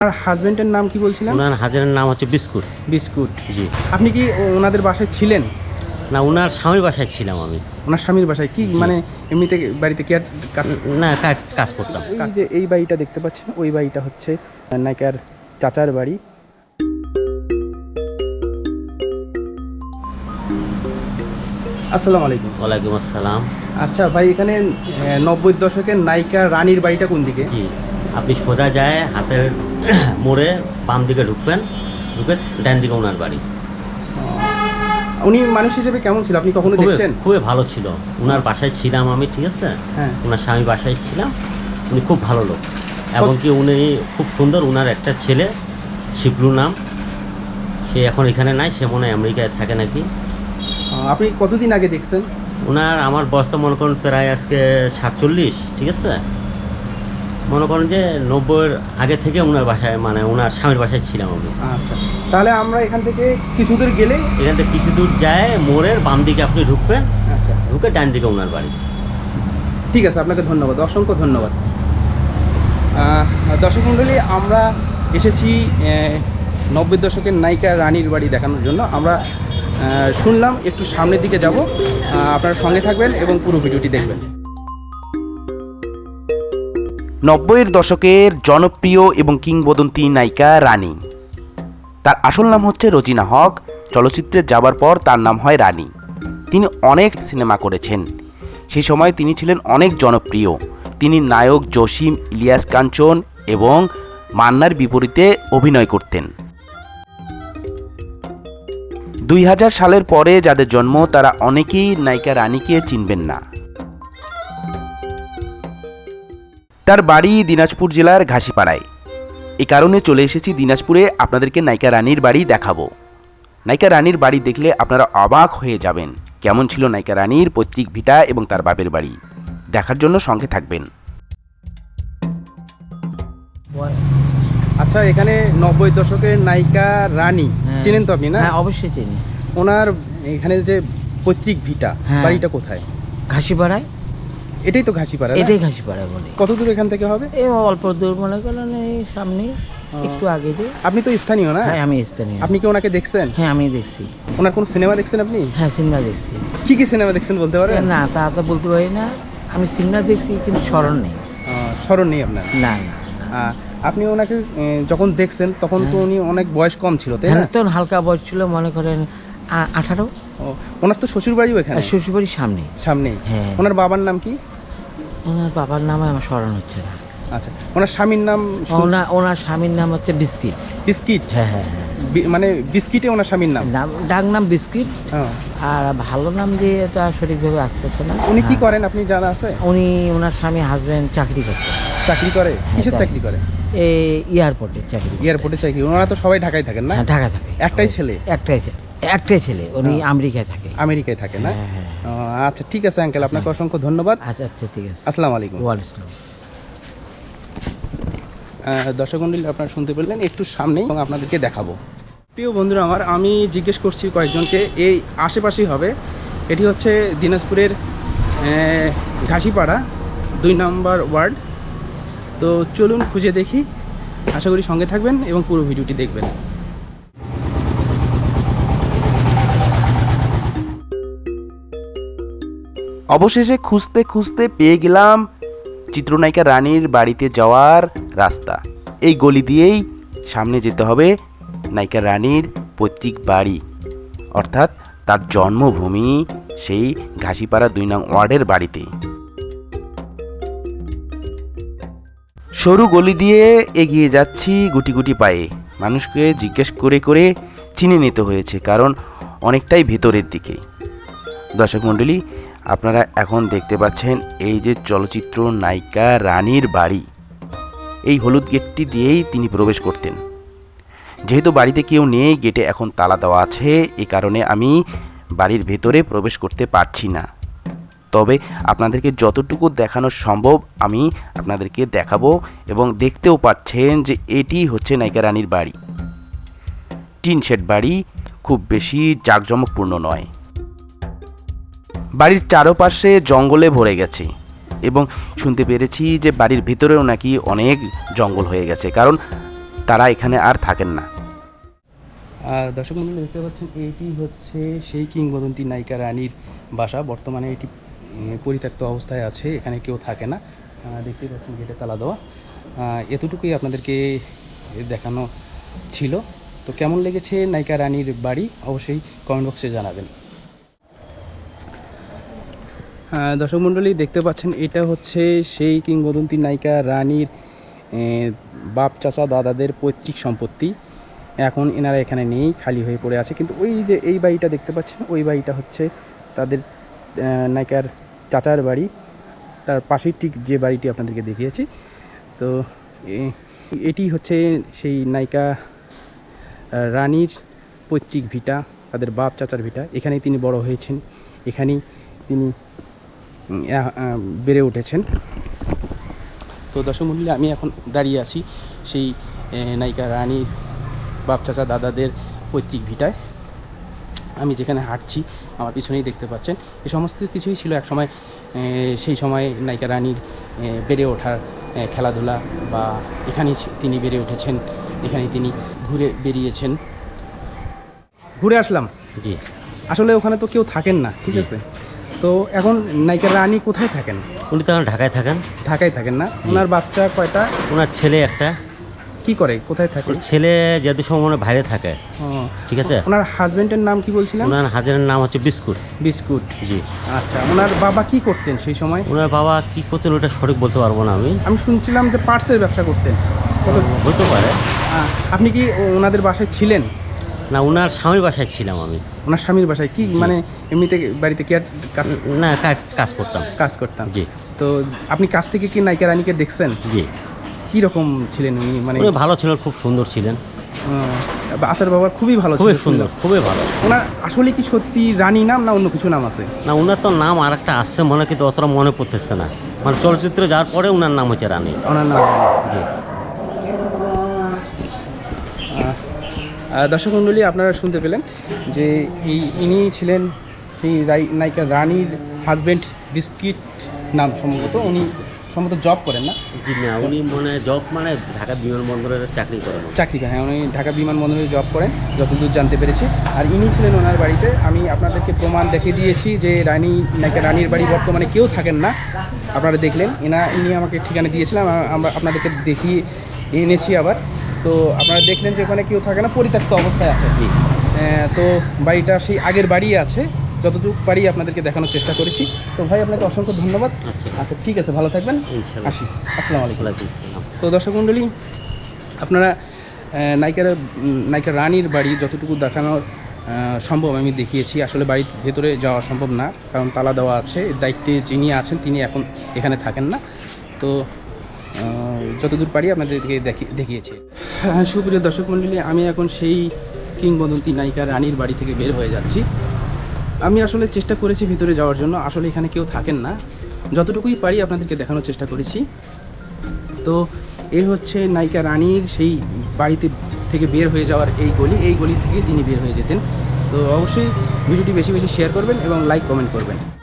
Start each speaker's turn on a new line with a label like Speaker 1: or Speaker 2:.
Speaker 1: আপনার হাজবেন্ডের নাম কি বলছিলেন?
Speaker 2: ওনার হাজারের নাম হচ্ছে বিস্কুট।
Speaker 1: বিস্কুট।
Speaker 2: জি।
Speaker 1: আপনি কি ওনাদের বাসায় ছিলেন?
Speaker 2: না, ওনার স্বামীর বাসায় ছিলাম আমি।
Speaker 1: ওনার স্বামীর বাসায় কি
Speaker 2: জি।
Speaker 1: মানে এমনিতে বাড়িতে কি আর কাজ?
Speaker 2: না, কাজ করতাম।
Speaker 1: এই যে এই বাড়িটা দেখতে পাচ্ছেন, ওই বাড়িটা হচ্ছে নায়িকার চাচার বাড়ি। আসসালামু আলাইকুম।
Speaker 2: ওয়ালাইকুম আসসালাম।
Speaker 1: আচ্ছা ভাই, এখানে 90-র দশকের নায়িকা রানীর বাড়িটা কোন দিকে?
Speaker 2: জি, আপনি সোজা যায় হাতের মোড়ে বাম দিকে ঢুকবেন, ঢুকে ডান দিকে ওনার বাড়ি।
Speaker 1: উনি মানুষ হিসেবে কেমন ছিল, আপনি কখনো দেখছেন?
Speaker 2: খুবই ভালো ছিল। ওনার বাসায় ছিলাম আমি, ঠিক আছে?
Speaker 1: হ্যাঁ।
Speaker 2: ওনার স্বামী বাসায় ছিলাম। উনি খুব ভালো লোক, এবং কি উনি খুব সুন্দর। ওনার একটা ছেলে, শিবলু নাম, সে এখন এখানে নাই, সে মনে হয় আমেরিকায় থাকে নাকি।
Speaker 1: আপনি কতদিন আগে দেখছেন?
Speaker 2: ওনার আমার বয়স তো মনে করেন প্রায় আজকে 47, ঠিক আছে? মনে করেন যে 90-এর আগে থেকে ওনার বাসায়, মানে ওনার স্বামীর বাসায় ছিলাম আমি।
Speaker 1: আচ্ছা, তাহলে আমরা এখান থেকে কিছু দূর গেলেই,
Speaker 2: এখান থেকে কিছু দূর যায় মোড়ের বাম দিকে আপনি ঢুকবেন,
Speaker 1: আচ্ছা
Speaker 2: ঢুকে ডান দিকে ওনার বাড়ি।
Speaker 1: ঠিক আছে, আপনাকে ধন্যবাদ, অসংখ্য ধন্যবাদ। দর্শক মণ্ডলী, আমরা এসেছি 90-এর দশকের নায়িকা রানীর বাড়ি দেখানোর জন্য। আমরা শুনলাম একটু সামনের দিকে যাব, আপনারা সঙ্গে থাকবেন এবং পুরো ভিডিওটি দেখবেন।
Speaker 3: 90-এর দশকের জনপ্রিয় এবং কিংবদন্তি নায়িকা রানী। তার আসল নাম হচ্ছে রোজিনা হক। চলচ্চিত্রে যাবার পর তার নাম হয় রানী। তিনি অনেক সিনেমা করেছেন। সেই সময় তিনি ছিলেন অনেক জনপ্রিয়। তিনি নায়ক জসিম, ইলিয়াস কাঞ্চন এবং মান্নার বিপরীতে অভিনয় করতেন। 2000 সালের পরে যাদের জন্ম তারা অনেকেই নায়িকা রানীকে চিনবেন না। তার বাড়ি দিনাজপুর জেলার ঘাসিপাড়ায়। এই কারণে চলে এসেছি দিনাজপুরে, আপনাদেরকে নায়িকা রানীর বাড়ি দেখাবো। নায়িকা রানীর বাড়ি দেখলে আপনারা অবাক হয়ে যাবেন। কেমন ছিল নায়িকা রানীর পৈতৃক ভিটা এবং তার বাপের বাড়ি, দেখার জন্য সঙ্গে থাকবেন।
Speaker 1: আচ্ছা, এখানে 90-এর দশকের নায়িকা রানী চিনেন তো আপনি, না?
Speaker 4: হ্যাঁ, অবশ্যই চিনি।
Speaker 1: ওনার এখানে যে পৈতৃক ভিটা,
Speaker 4: হ্যাঁ।
Speaker 1: বাড়িটা কোথায়?
Speaker 4: ঘাসিপাড়ায়।
Speaker 1: এটাই তো ঘাসিপাড়া, না?
Speaker 4: এটাই ঘাসিপাড়ায় বলে।
Speaker 1: কত দূর এখান থেকে হবে?
Speaker 4: এই অল্প দূর, মনে করেন এই সামনে একটু আগে দিয়ে।
Speaker 1: আপনি তো স্থানীয়, না?
Speaker 4: হ্যাঁ, আমি স্থানীয়।
Speaker 1: আপনি কি ওনাকে দেখছেন?
Speaker 4: হ্যাঁ, আমি দেখছি।
Speaker 1: ওনার কোন সিনেমা দেখছেন আপনি?
Speaker 4: হ্যাঁ, সিনেমা দেখছি।
Speaker 1: কি কি সিনেমা দেখছেন বলতে পারবেন?
Speaker 4: না, তা তো বলতে পারি না। আমি সিনেমা দেখছি, কিন্তু স্মরণ নেই।
Speaker 1: স্মরণ নেই আপনার?
Speaker 4: না না।
Speaker 1: আপনি ওনাকে যখন দেখছেন তখন তো উনি অনেক বয়স কম ছিল, তাই না?
Speaker 4: হ্যাঁ, তখন হালকা বয়স ছিল, মনে করেন 18।
Speaker 1: ওনার তো শ্বশুর বাড়িও এখানে?
Speaker 4: শ্বশুরবাড়ির সামনে।
Speaker 1: সামনেই?
Speaker 4: হ্যাঁ।
Speaker 1: ওনার বাবার নাম কি?
Speaker 4: ওনার বাবার নামে আমার স্মরণ হচ্ছে না।
Speaker 1: আচ্ছা, ওনার স্বামীর নাম?
Speaker 4: ওনার স্বামীর নাম হচ্ছে বিস্কিট।
Speaker 1: বিস্কিট?
Speaker 4: হ্যাঁ হ্যাঁ হ্যাঁ।
Speaker 1: মানে বিস্কিটে ওনার স্বামীর নাম?
Speaker 4: ডাক নাম বিস্কিট।
Speaker 1: হ্যাঁ।
Speaker 4: আর ভালো নাম দিয়ে এটা সঠিকভাবে আসতেছে না।
Speaker 1: উনি কি
Speaker 4: হ্যাঁ।
Speaker 1: করেন আপনি জানা আছে?
Speaker 4: উনি, ওনার স্বামী হাজবেন্ড চাকরি করতেন।
Speaker 1: চাকরি করে? কিসের
Speaker 4: তাই।
Speaker 1: চাকরি করে?
Speaker 4: এই এয়ারপোর্টে চাকরি।
Speaker 1: এয়ারপোর্টে চাকরি? ওনারা তো সবাই ঢাকায় থাকেন, না?
Speaker 4: হ্যাঁ, ঢাকা থাকে।
Speaker 1: একটাই ছেলে?
Speaker 4: একটাই ছেলে। উনি
Speaker 1: হ্যাঁ।
Speaker 4: আমেরিকায় থাকে।
Speaker 1: আমেরিকায় থাকে, না?
Speaker 4: হ্যাঁ, হ্যাঁ।
Speaker 1: আচ্ছা, ঠিক আছে আঙ্কেল, আপনাকে অসংখ্য ধন্যবাদ।
Speaker 4: আচ্ছা আচ্ছা, ঠিক আছে।
Speaker 1: আসসালামু আলাইকুম।
Speaker 4: ওয়ালাইকুম আসসালাম।
Speaker 1: দর্শক মণ্ডলী, আপনারা শুনতে পেলেন, একটু সামনেই এবং আপনাদেরকে দেখাবো। প্রিয় বন্ধুরা আমার, আমি জিজ্ঞেস করছি কয়েকজনকে, এই আশেপাশেই হবে। এটি হচ্ছে দিনাজপুরের ঘাসিপাড়া 2 নম্বর ওয়ার্ড। তো চলুন খুঁজে দেখি, আশা করি সঙ্গে থাকবেন এবং পুরো ভিডিওটি দেখবেন।
Speaker 3: অবশেষে খুঁজতে খুঁজতে পেয়ে গেলাম চিত্রনায়িকা রানীর বাড়িতে যাওয়ার রাস্তা। এই গলি দিয়েই সামনে যেতে হবে নায়িকা রানীর পৈতৃক বাড়ি, অর্থাৎ তার জন্মভূমি সেই ঘাসিপাড়া 2 নং ওয়ার্ডের বাড়িতে। সরু গলি দিয়ে এগিয়ে যাচ্ছি গুটি গুটি পায়ে। মানুষকে জিজ্ঞেস করে করে চিনে নিতে হয়েছে, কারণ অনেকটাই ভেতরের দিকে। দর্শক মণ্ডলী, আপনারা এখন দেখতে পাচ্ছেন এই যে চলচ্চিত্র নায়িকা রানীর বাড়ি। এই হলুদ গেটটি দিয়েই তিনি প্রবেশ করতেন। যেহেতু বাড়িতে কেউ নেই, গেটে এখন তালা দেওয়া আছে, এই কারণে আমি বাড়ির ভেতরে প্রবেশ করতে পারছি না। তবে আপনাদেরকে যতটুকু দেখানো সম্ভব আমি আপনাদেরকে দেখাবো, এবং দেখতেও পাচ্ছেন যে এটি হচ্ছে নায়িকা রানীর বাড়ি। টিন শেড বাড়ি, খুব বেশি জাঁকজমকপূর্ণ নয়। বাড়ির চারপাশে জঙ্গলে ভরে গেছে, এবং শুনতে পেরেছি যে বাড়ির ভিতরেও নাকি অনেক জঙ্গল হয়ে গেছে, কারণ তারা এখানে আর থাকেন না।
Speaker 1: আর দর্শক মণ্ডলী দেখতে পাচ্ছেন এটি হচ্ছে সেই কিংবদন্তি নায়িকা রানীর বাসা। বর্তমানে এটি পরিত্যক্ত অবস্থায় আছে, এখানে কেউ থাকে না। দেখতে পাচ্ছেন গেটে তালা দেওয়া। এতটুকুই আপনাদেরকে দেখানো ছিল। তো কেমন লেগেছে নায়িকা রানীর বাড়ি অবশ্যই কমেন্ট বক্সে জানাবেন। দর্শক মণ্ডলী দেখতে পাচ্ছেন এটা হচ্ছে সেই কিংবদন্তি নায়িকা রানীর বাপ চাচা দাদাদের পৈতৃক সম্পত্তি। এখন এনারা এখানে নেই, খালি হয়ে পড়ে আছে। কিন্তু ওই যে এই বাড়িটা দেখতে পাচ্ছেন, ওই বাড়িটা হচ্ছে তাদের নায়িকার চাচার বাড়ি। তার পাশেই ঠিক যে বাড়িটি আপনাদেরকে দেখিয়েছি। তো এটি হচ্ছে সেই নায়িকা রানীর পৈতৃক ভিটা, তাদের বাপ চাচার ভিটা। এখানেই তিনি বড় হয়েছেন, এখানেই তিনি বেড়ে উঠেছেন। তো দর্শক মণ্ডলী আমি এখন দাঁড়িয়ে আছি সেই নায়িকা রানীর বাপ চাচা দাদাদের পৈতৃক ভিটায়। আমি যেখানে হাঁটছি আমার পিছনেই দেখতে পাচ্ছেন এই সমস্ত কিছুই ছিল এক সময়। সেই সময় নায়িকা রানীর বেড়ে ওঠার খেলাধুলা, বা এখানেই তিনি বেড়ে উঠেছেন, এখানেই তিনি ঘুরে বেরিয়েছেন। ঘুরে আসলাম।
Speaker 2: জি,
Speaker 1: আসলে ওখানে তো কেউ থাকেন না, ঠিক আছে। তো এখন নায়িকা রানী কোথায় থাকেন?
Speaker 2: উনি তো এখন ঢাকায় থাকেন।
Speaker 1: ঢাকায় থাকেন না? ওনার বাচ্চা কয়টা?
Speaker 2: ওনার ছেলে একটা।
Speaker 1: কি করে, কোথায় থাকে?
Speaker 2: ওর ছেলে যেহেতু সময় বাইরে থাকে। ঠিক আছে।
Speaker 1: ওনার হাজবেন্ডের নাম কি বলছিলেন?
Speaker 2: ওনার হাজারের নাম হচ্ছে বিস্কুট।
Speaker 1: বিস্কুট।
Speaker 2: জি।
Speaker 1: আচ্ছা, ওনার বাবা কি করতেন সেই সময়?
Speaker 2: ওনার বাবা কি করতেন ওটা সঠিক বলতে পারবো না আমি।
Speaker 1: আমি শুনছিলাম যে পার্টসের ব্যবসা করতেন।
Speaker 2: হতে পারে।
Speaker 1: আপনি কি ওনাদের বাসায় ছিলেন?
Speaker 2: না, ওনার স্বামীর বাসায় ছিলাম আমি।
Speaker 1: ওনার স্বামীর বাসায় কি মানে এমনিতে বাড়িতে কি আর
Speaker 2: না, কাজ করতাম।
Speaker 1: কাজ করতাম।
Speaker 2: জি।
Speaker 1: তো আপনি কাছ থেকে কি নায়িকা রানীকে দেখছেন?
Speaker 2: জি।
Speaker 1: কি রকম ছিলেন উনি? মানে
Speaker 2: উনি ভালো ছিলেন, খুব সুন্দর ছিলেন।
Speaker 1: আচার ব্যবহার খুবই ভালো ছিল।
Speaker 2: খুবই সুন্দর, খুবই ভালো।
Speaker 1: ওনার আসলে কি সত্যি রানী নাম না অন্য কিছু নাম আছে?
Speaker 2: না, ওনার তো নাম আর একটা আসছে মনে, কিন্তু অতটা মনে পড়তেছে না। মানে চলচ্চিত্রে যাওয়ার পরে ওনার নাম হচ্ছে রানী।
Speaker 1: ওনার নাম
Speaker 2: জি।
Speaker 1: দর্শক মণ্ডলী আপনারা শুনতে পেলেন যে ইনি ছিলেন সেই নায়িকা রানীর হাজব্যান্ড। বিস্কিট নাম সম্ভবত। উনি সম্ভবত জব করেন না?
Speaker 2: জি না, উনি মানে জব মানে ঢাকা বিমানবন্দরের চাকরি করেন।
Speaker 1: চাকরি করেন, হ্যাঁ। উনি ঢাকা বিমানবন্দরে জব করেন যতদূর জানতে পেরেছি। আর ইনি ছিলেন ওনার বাড়িতে। আমি আপনাদেরকে প্রমাণ দেখিয়ে দিয়েছি যে নায়িকা রানীর বাড়ি বর্তমানে কেউ থাকেন না। আপনারা দেখলেন ইনি আমাকে ঠিকানা দিয়েছিলাম, আমরা আপনাদেরকে দেখিয়ে এনেছি আবার। তো আপনারা দেখলেন যে ওখানে কেউ থাকে না, পরিত্যক্ত অবস্থায় আছে। তো বাড়িটা সেই আগের বাড়ি আছে, যতটুকু পারি আপনাদেরকে দেখানোর চেষ্টা করেছি। তো ভাই আপনাকে অসংখ্য ধন্যবাদ। আচ্ছা, ঠিক আছে, ভালো থাকবেন। আসি, আসসালামু আলাইকুম। তো দর্শক মণ্ডলী আপনারা নায়িকা রানীর বাড়ি যতটুকু দেখানোর সম্ভব আমি দেখিয়েছি। আসলে বাড়ির ভেতরে যাওয়া সম্ভব না, কারণ তালা দেওয়া আছে। দায়িত্বে যিনি আছেন তিনি এখন এখানে থাকেন না। তো যতদূর পারি আপনাদেরকে দেখিয়েছি। সুপ্রিয় দর্শক মণ্ডলী, আমি এখন সেই কিংবদন্তি নায়িকা রানীর বাড়ি থেকে বের হয়ে যাচ্ছি। আমি আসলে চেষ্টা করেছি ভিতরে যাওয়ার জন্য, আসলে এখানে কেউ থাকেন না। যতটুকুই পারি আপনাদেরকে দেখানোর চেষ্টা করেছি। তো এই হচ্ছে নায়িকা রানীর সেই বাড়িতে থেকে বের হয়ে যাওয়ার এই গলি থেকে তিনি বের হয়ে যেতেন। তো অবশ্যই ভিডিওটি বেশি বেশি শেয়ার করবেন এবং লাইক কমেন্ট করবেন।